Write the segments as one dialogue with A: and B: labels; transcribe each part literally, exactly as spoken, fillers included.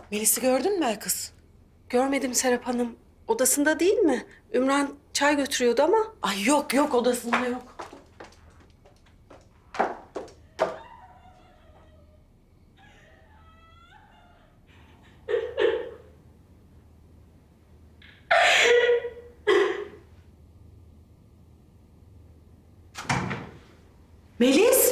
A: Melis'i gördün mü kız?
B: Görmedim Serap Hanım. Odasında değil mi? Ümran çay götürüyordu ama.
A: Ay yok yok odasında yok. Melis!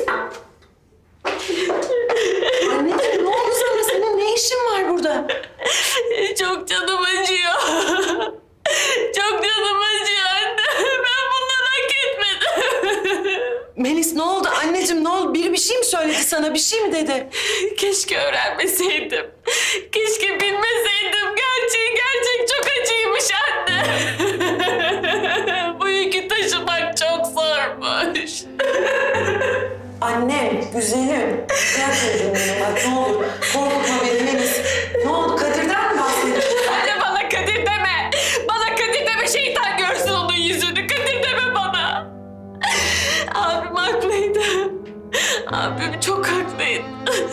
A: Anneciğim ne oldu sana? Senin ne işin var burada?
C: Çok canım acıyor. Çok canım acıyor anne. Ben bunları hak etmedim.
A: Melis ne oldu? Anneciğim ne oldu? Biri bir şey mi söyledi sana? Bir şey mi dedi?
C: Keşke öğrenmeseydim. Keşke bilmeseydim. Gerçeği gerçek çok acıymış anne. Bu yükü taşımak çok zormuş.
A: Annem, güzelim. Gel çocuğum benim bak ne olur. Korkutma beni Melis. Ne oldu? Kadir'den mi bahsediyorsun?
C: Anne bana Kadir deme. Bana Kadir deme. Şeytan görsün onun yüzünü. Kadir deme bana. Abim haklıydı. Abim çok haklıydı.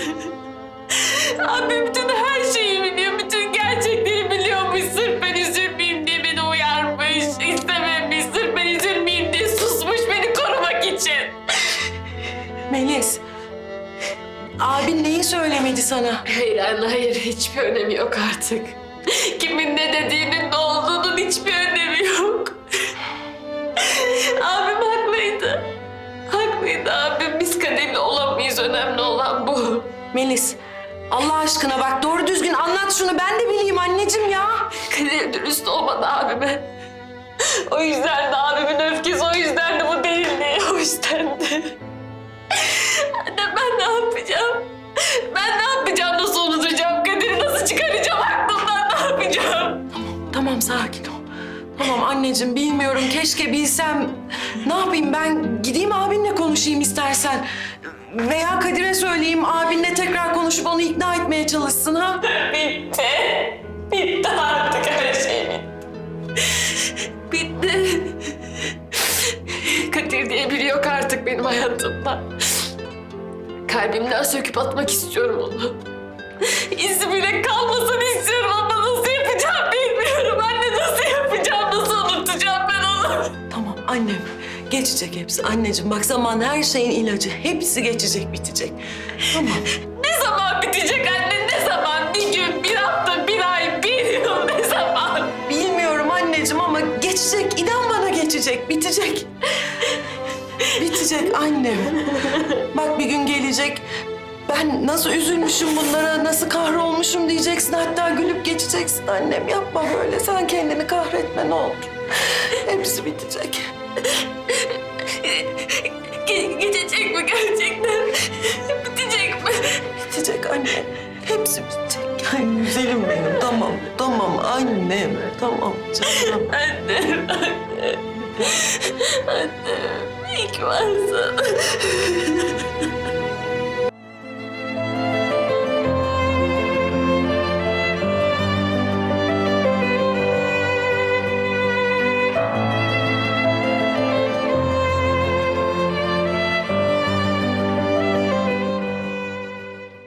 C: Abim bütün her şeyi biliyor. Bütün gerçekleri biliyormuş. Sırf ben üzülmeyeyim diye beni uyarmış. İstememiş. Sırf ben üzülmeyeyim diye susmuş beni korumak için.
A: Melis, abin neyi söylemedi sana?
C: Hayır anne hayır. Hiçbir önemi yok artık. Kimin ne dediğinin ne olduğunun hiçbir önemi yok. Abim haklıydı. Haklıydı abim. Biz Kadir'le olamayız. Önemli olan bu.
A: Melis, Allah aşkına bak doğru düzgün anlat şunu. Ben de bileyim anneciğim ya.
C: Kadir dürüst olmadı abime. O yüzden de abimin öfkesi, o yüzden de bu derinliği, o yüzden de. Anne ben ne yapacağım? Ben ne yapacağım? Nasıl unutacağım? Kadir'i nasıl çıkaracağım aklımdan? Ne yapacağım?
A: Tamam sakin ol. Tamam anneciğim bilmiyorum keşke bilsem. Ne yapayım ben gideyim abinle konuşayım istersen. Veya Kadir'e söyleyeyim abinle tekrar konuşup onu ikna etmeye çalışsın ha.
C: Bitti. Bitti artık her şey bitti. Bitti. Kadir diye biri yok artık benim hayatımda. Kalbimden söküp atmak istiyorum onu. İzi bile kalmasını istiyorum ama nasıl yapacağım bilmiyorum. Anne nasıl yapacağım, nasıl unutacağım ben onu?
A: Tamam annem geçecek hepsi. Anneciğim bak zaman her şeyin ilacı. Hepsi geçecek bitecek. Tamam.
C: Ne zaman bitecek anne, ne zaman? Bir gün, bir hafta, bir ay, bir yıl ne zaman?
A: Bilmiyorum anneciğim ama geçecek. İnan bana geçecek. Bitecek. Bitecek annem. Bak bir gün gelecek. Ben nasıl üzülmüşüm bunlara, nasıl kahrolmuşum diyeceksin. Hatta gülüp geçeceksin annem. Yapma böyle. Sen kendini kahretme ne olur. Hepsi bitecek.
C: Ge- geçecek mi gerçekten? Bitecek mi?
A: Bitecek annem. Hepsi bitecek. Ay güzelim benim. Tamam, tamam annem. Tamam canım.
C: Annem, annem. Annem, iyi ki varsın.